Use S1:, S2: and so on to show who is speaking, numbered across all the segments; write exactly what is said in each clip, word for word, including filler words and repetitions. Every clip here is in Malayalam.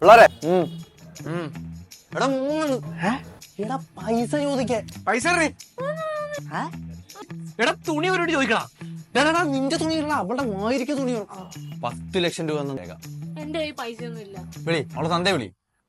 S1: പിള്ളേരെ എടാ മൂന്ന് എടാ പൈസ ചോദിക്കേ
S2: പൈസ എടാ തുണി അവരോട് ചോദിക്കണം.
S1: നിന്റെ തുണി ഇല്ല അവളുടെ മായിരിക്കും തുണി പത്ത് ലക്ഷം രൂപ
S3: എന്റെ പൈസ ഒന്നും ഇല്ല.
S1: വിളി അവളെ തന്തേ വിളി.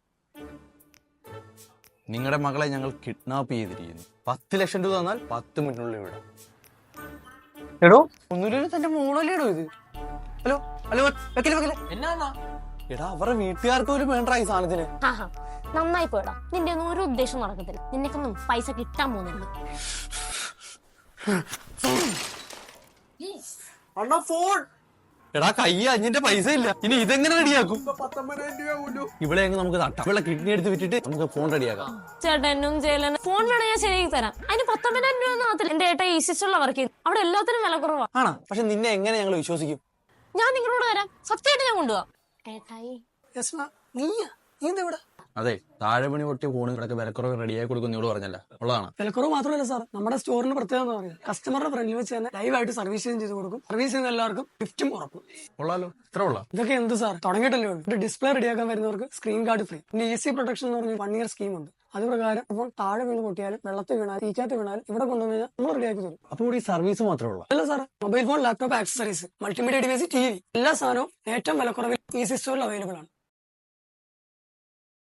S1: നിങ്ങളുടെ മകളെ ഞങ്ങൾ കിഡ്നാപ്പ് ചെയ്തിരിക്കുന്നു. പത്ത് ലക്ഷം രൂപ തന്നാൽ പത്ത് മിനിറ്റിനുള്ളിൽ ഇവിടെ. എടോ ഒന്നുമില്ലല്ലോ, തന്റെ മോളല്ലേടോ ഇത്. ഹലോ ഹലോ വെക്കല് വെക്കല്
S2: എന്നാ
S1: എടാ അവരുടെ വീട്ടുകാർക്ക് പോലും വേണ്ട ഈ സാധനത്തിന്.
S3: ആഹാ നന്നായി പോയടാ. നിന്റെ ഒന്നും ഒരു ഉദ്ദേശം നടക്കത്തില്ല. നിനക്കൊന്നും പൈസ കിട്ടാൻ പോകുന്നില്ല.
S2: അണ്ണാ ഫോൺ.
S1: എടാ കൈ അഞ്ഞിന്റെ പൈസ ഇല്ല, ഇനി ഇതെങ്ങനെ റെഡിയാക്കും?
S2: പത്തൊമ്പതിനായിരം രൂപ പോലും.
S1: ഇവിടെ അങ്ങ് നമുക്ക് തട്ടാം. ഇവിടെ കിഡ്നി എടുത്ത് വിറ്റിട്ട് നമുക്ക് ഫോൺ റെഡിയാക്കാം.
S3: ചേട്ടനും ചേലനും ഫോൺ വേണം, ഞാൻ ശരിയാക്കി തരാം. അതിന് പത്തൊമ്പതിനായിരം രൂപ ഒന്നും ആകത്തില്ല. എന്റെ ഏട്ടാ ഈസിച്ചുള്ള വർക്ക് ചെയ്തു, അവിടെ എല്ലാത്തിനും വില കുറവാ.
S1: ആണോ? പക്ഷെ നിന്നെ എങ്ങനെ ഞങ്ങൾ വിശ്വസിക്കും?
S3: ഞാൻ നിങ്ങളോട് തരാം, സത്യമായിട്ട് ഞാൻ കൊണ്ടുപോവാ. ഏട്ടായി
S1: അതെ, താഴെ പണി പൊട്ടിയ ഫോണുകളൊക്കെ വിലക്കുറവ് റെഡിയായി കൊടുക്കുന്നോട് പറഞ്ഞല്ല, ഉള്ളതാണ്.
S4: വിലക്കുറവ് മാത്രമല്ല സാർ, നമ്മുടെ സ്റ്റോറിന് പ്രത്യേകത എന്ന് പറയുന്നത് കസ്റ്റമറുടെ ഫ്രണ്ടിൽ വെച്ച് തന്നെ ലൈവായിട്ട് സർവീസ് ചെയ്ത് കൊടുക്കും. സർവീസ് ചെയ്യുന്ന എല്ലാവർക്കും ഗിഫ്റ്റും ഉറപ്പും.
S1: ഉള്ളാലോ, ഇത്ര ഉള്ള
S4: ഇതൊക്കെ എന്ത് സാർ, തുടങ്ങിയിട്ടല്ലേ ഉള്ളൂ. ഒരു ഡിസ്പ്ലേ റെഡിയാക്കാൻ വരുന്നവർക്ക് സ്ക്രീൻ ഗാർഡ് ഫ്രീ. പിന്നെ ഈസി പ്രൊട്ടക്ഷൻ എന്ന് പറഞ്ഞ വൺ ഇയർ സ്കീം ഉണ്ട്. അത് പ്രകാരം ഇപ്പോൾ താഴെ വീണ് പൊട്ടിയാലും വെള്ളത്തിൽ വീണാലും തീക്കാത്ത വീണാലും ഇവിടെ കൊണ്ടുവന്ന് കഴിഞ്ഞാൽ നമ്മൾ റെഡിയാക്കി തരും.
S1: അപ്പൊ ഇവിടെ ഈ സർവീസ് മാത്രമേ ഉള്ളൂ?
S4: അല്ല sir, mobile phone, laptop, accessories, multimedia device, T V എല്ലാ സാധനവും ഏറ്റവും വിലക്കുറവിൽ ഈസി സ്റ്റോറിൽ അവൈലബിൾ ആണ്.